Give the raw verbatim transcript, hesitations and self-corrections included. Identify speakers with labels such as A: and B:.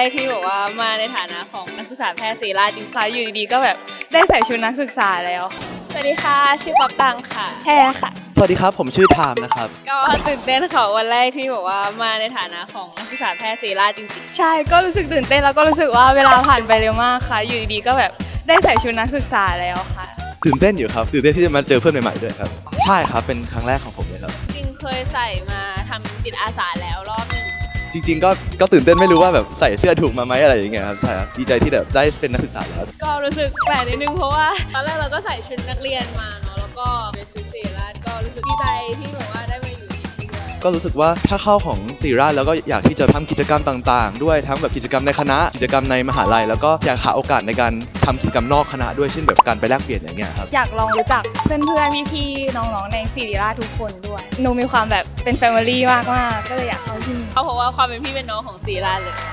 A: กที่บอกว่ามาในฐานะของนักศึกษาแพทย์ศิริราชจริง
B: ค่ะอยู่ดีๆก็แบบได้ใส่ชุดนักศึกษาแล้ว
A: ๆสวัสดีค่ะชื่อป๊อปตังค่ะ
B: แพ้ค่ะ
C: สวัสดีครับผมชื่อไทม์นะครับ
A: ก็ตื่นเต้นค่ะวันแรกที่บอกว่ามาในฐานะของนักศึกษาแพทย์ศิริราชจริง
B: ใช่ก็รู้สึกตื่นเต้นแล้วก็รู้สึกว่าเวลาผ่านไปเร็วมากค่ะ อยู่ดีๆก็แบบได้ใส่ชุดนักศึกษาแล้วค่ะ
C: ตื่นเต้นอยู่ครับตื่นเต้นที่จะมาเจอเพื่อนใหม่ๆด้วยครับใช่ครับเป็นครั้งแรกของผมเลยครับ
A: ๆจริงเคยใส่มาทำจิตอาสาแล้วรอบหนึ่ง
C: จริงๆก็ก็ตื่นเต้นไม่รู้ว่าแบบใส่เสื้อถูกมาไหมอะไรอย่างเงี้ยครับใช่ครับดีใจที่แบบได้เป็นนักศึกษาแล้ว
A: ก็รู้สึกแปลกนิดนึงเพราะว่าตอนแรกเราก็ใส่ชุดนักเรียนมาเนาะแล้วก็เป็นชุดศิริราชก็รู้สึกดีใจที่แบบว่าได้มาอยู่ที่นี่ด้วย
C: ก็รู้สึกว่าถ้าเข้าของศิริราชแล้วก็อยากที่จะทำกิจกรรมต่างๆ ด้วยทั้งแบบกิจกรรมในคณะกิจกรรมในมหาลัยแล้วก็อยากหาโอกาสในการทำกิจกรรมนอกคณะด้วยเช่นแบบการไปแลกเปลี่ยนอย่างเงี้ยครับ
B: อยากลองรู้จักเพื่อนๆพี่ๆน้องๆในศิริราชทุกคนด้วยหนูมีความแบบเป็นแฟมิลี่มากๆก็เลยอยากเข้าที่นี่
A: เพราะว่าความเป็นพี่เป็นน้องของศิริราชเลย